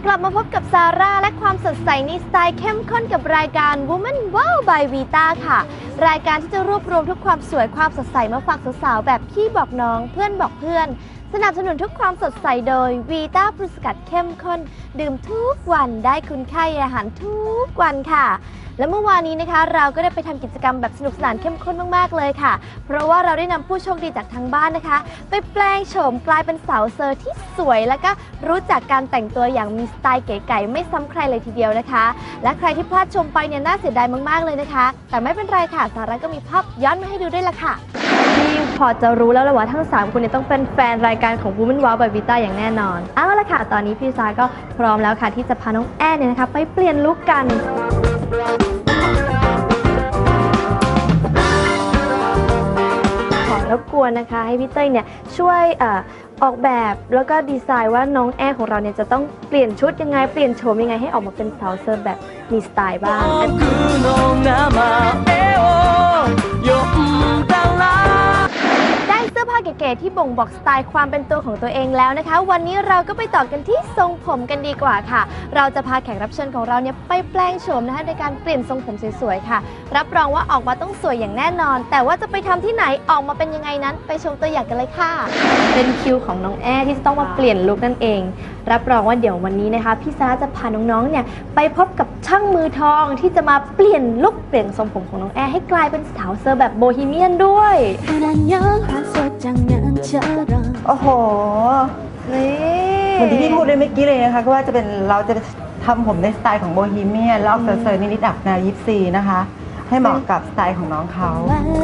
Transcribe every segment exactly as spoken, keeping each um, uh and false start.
กลับมาพบกับซาร่าและความสดใสในสไตล์เข้มข้นกับรายการ Woman Wow by Vita ค่ะรายการที่จะรวบรวมทุกความสวยความสดใสมาฝากสาวๆแบบพี่บอกน้องเพื่อนบอกเพื่อนสนับสนุนทุกความสดใสโดย Vita ปรุสกัดเข้มข้นดื่มทุกวันได้คุณค่าอาหารทุกวันค่ะและเมื่อวานนี้นะคะเราก็ได้ไปทำกิจกรรมแบบสนุกสนานเข้มข้นมากๆเลยค่ะเพราะว่าเราได้นำผู้โชคดีจากทางบ้านนะคะไปแปลงโฉมกลายเป็นสาวเซอร์ที่สวยและก็รู้จักการแต่งตัวอย่างมีสไตล์เก๋ๆไม่ซ้ำใครเลยทีเดียวนะคะและใครที่พลาดชมไปเนี่ยน่าเสียดายมากๆเลยนะคะแต่ไม่เป็นไรค่ะสาระก็มีภาพย้อนมาให้ดูด้วยละค่ะที่พอจะรู้แล้วแหละว่าทั้งสามคนเนี่ยต้องเป็นแฟนรายการของ Woman Wow by Vita อย่างแน่นอนเอาละค่ะตอนนี้พี่ซาก็พร้อมแล้วค่ะที่จะพาน้องแอนเนี่ยนะคะไปเปลี่ยนลุคกันขอรบกวนนะคะให้พี่เต้ยเนี่ยช่วยเอ่อออกแบบแล้วก็ดีไซน์ว่าน้องแอนของเราเนี่ยจะต้องเปลี่ยนชุดยังไงเปลี่ยนโฉมยังไงให้ออกมาเป็นสาวเซอร์แบบมีสไตล์บ้างได้เสื้อผ้าเก๋ๆที่บ่งบอกสไตล์ความเป็นตัวของตัวเองแล้วนะคะวันนี้เราก็ไปต่อกันที่ทรงผมกันดีกว่าค่ะเราจะพาแขกรับเชิญของเราเนี่ยไปแปลงโฉมนะคะในการเปลี่ยนทรงผมสวยๆค่ะรับรองว่าออกมาต้องสวยอย่างแน่นอนแต่ว่าจะไปทำที่ไหนออกมาเป็นยังไงนั้นไปชมตัวอย่างกันเลยค่ะเป็นคิวของน้องแอที่จะต้องมาเปลี่ยนลุคนั่นเองรับรองว่าเดี๋ยววันนี้นะคะพี่ซาจะพาน้องๆเนี่ยไปพบกับช่างมือทองที่จะมาเปลี่ยนลุคเปลี่ยนทรงผมของน้องแอให้กลายเป็นสาวเซอร์แบบโบฮีเมียนด้วยโอ้โหนี่เหมือนที่พี่พูดเลยเมื่อกี้เลยนะคะก็ว่าจะเป็นเราจะทำผมในสไตล์ของโบฮีเมียนแล้วออกเซอร์ๆนิดๆอับแนวยิปซีนะคะให้เหมาะกับสไตล์ของน้องเขา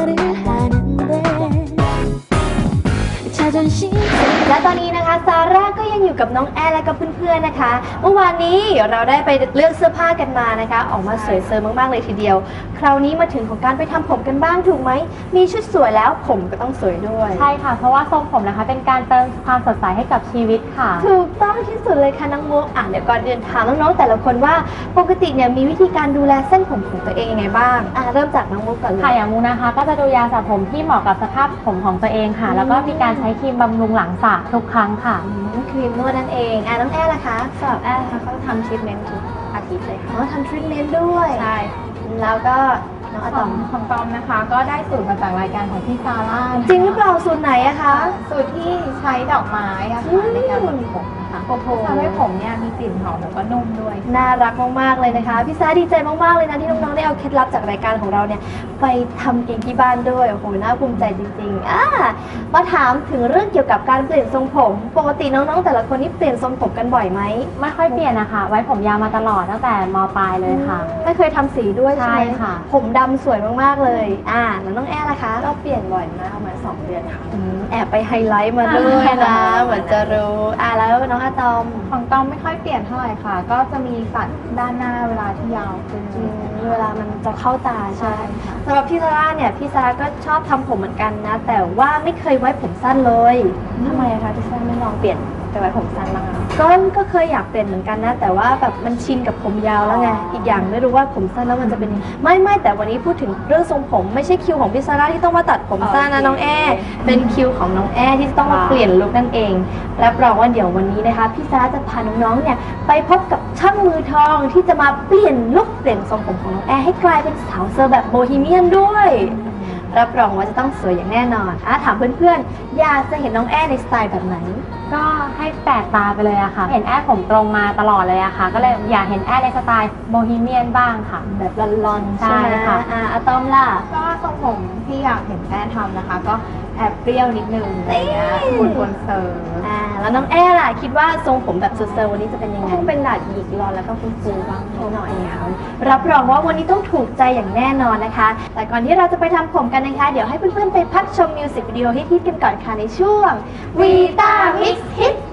และตอนนี้นะคะซาร่าก็ยังอยู่กับน้องแอร์และกับเพื่อนๆนะคะเมื่อวานนี้เราได้ไปเลือกเสื้อผ้ากันมานะคะออกมาสวยเซอร์มากๆเลยทีเดียวคราวนี้มาถึงของการไปทำผมกันบ้างถูกไหมมีชุดสวยแล้วผมก็ต้องสวยด้วยใช่ค่ะเพราะว่าทรงผมนะคะเป็นการเติมความสดใสให้กับชีวิตค่ะถูกต้องที่สุดเลยค่ะน้องมุกอ่ะเดี๋ยวก่อนเดินถามน้องๆแต่ละคนว่าปกติเนี่ยมีวิธีการดูแลเส้นผมของตัวเองยังไงบ้างอ่ะเริ่มจากน้องมุกก่อนเลยค่ะอย่างมุกนะคะก็จะดูยาสระผมที่เหมาะกับสภาพผมของตัวเองค่ะแล้วก็มีการใช้ครีมบำรุงหลังสระทุกครั้งค่ะครีมนวดนั่นเองอ่ะน้องแอร์ล่ะคะสำหรับแอร์นะคะเขาทำทรีทเมนต์ทุกอาทิตย์เลยค่ะอ๋อทำทรีทเมนต์ด้วยใช่แล้วก็น้องอะตอมของตอมนะคะก็ได้สูตรมาจากรายการของพี่ซาร่าจริงหรือเปล่าสูตรไหนอะคะสูตรที่ใช้ดอกไม้อะค่ะในการบำรุงผมนะคะทำให้ผมเนี่ยมีกลิ่นหอมแล้วก็นุ่มด้วยน่ารักมากๆเลยนะคะพี่ซาดีใจมากๆเลยนะที่น้องๆได้เอาเคล็ดลับจากรายการของเราเนี่ยไปทำเองที่บ้านด้วยโอ้โหน่าภูมิใจจริงๆอ่ะมาถามถึงเรื่องเกี่ยวกับการเปลี่ยนทรงผมปกติน้องๆแต่ละคนนี่เปลี่ยนทรงผมกันบ่อยไหมไม่ค่อยเปลี่ยนนะคะไว้ผมยาวมาตลอดตั้งแต่ม.ปลายเลยค่ะไม่เคยทำสีด้วยใช่ไหมค่ะผมดำสวยมากๆเลยอ่าแล้วน้องแอร์ล่ะคะก็เปลี่ยนบ่อยมากประมาณสองเดือนค่ะแอบไปไฮไลท์มาด้วยนะเหมือนจะรู้อ่าแล้วน้องอะตอมของตอมไม่ค่อยเปลี่ยนเท่าไหร่ค่ะก็จะมีตัดด้านหน้าเวลาที่ยาวขึ้นเวลามันจะเข้าตาใช่สำหรับพี่ซาร่าเนี่ยพี่ซาร่าก็ชอบทำผมเหมือนกันนะแต่ว่าไม่เคยไว้ผมสั้นเลยทำไมคะพี่ซาร่าไม่ลองเปลี่ยนไปไว้ผมสั้นบ้างก็ก็เคยอยากเปลี่ยนเหมือนกันนะแต่ว่าแบบมันชินกับผมยาวแล้วไงอีกอย่างไม่รู้ว่าผมสั้นแล้วมันจะเป็นไม่ไม่แต่วันนี้พูดถึงเรื่องทรงผมไม่ใช่คิวของพี่ซาร่าที่ต้องมาตัดผมสั้นนะน้องแอร์เป็นคิวของน้องแอร์ที่ต้องมาเปลี่ยนลุคนั่นเองรับรองว่าเดี๋ยววันนี้นะคะพี่ซาร่าจะพาน้องๆเนี่ยไปพบกับช่างมือทองที่จะมาเปลี่ยนลุคเปลี่ยนทรงผมของน้องแอร์ให้กลายเป็นสาวเซอร์แบบโบฮีเมียนด้วยรับรองว่าจะต้องสวยอย่างแน่นอนอ่ะถามเพื่อนๆอยากจะเห็นน้องแอร์ในสไตล์แบบไหนก็ให้แปลกตาไปเลยอะค่ะเห็นแอร์ผมตรงมาตลอดเลยอะค่ะก็เลยอยากเห็นแอร์ในสไตล์โบฮีเมียนบ้างค่ะแบบลอนๆใช่ค่ะอ่าอะตอมล่ะก็ทรงผมที่อยากเห็นแอร์ทำนะคะก็แอบเปรี้ยวนิดนึงอะไรเงี้ยคุณคนเซอร์อ่าแล้วน้องแอร์ล่ะคิดว่าทรงผมแบบเซอร์วันนี้จะเป็นยังไงต้องเป็นดาดหยิกรอนแล้วก็ฟูๆบ้างหน่อยค่ะรับรองว่าวันนี้ต้องถูกใจอย่างแน่นอนนะคะแต่ก่อนที่เราจะไปทำผมกันนะคะเดี๋ยวให้เพื่อนๆไปพักชมมิวสิกวิดีโอฮิตๆกันก่อนค่ะในช่วง Vita Mix Hit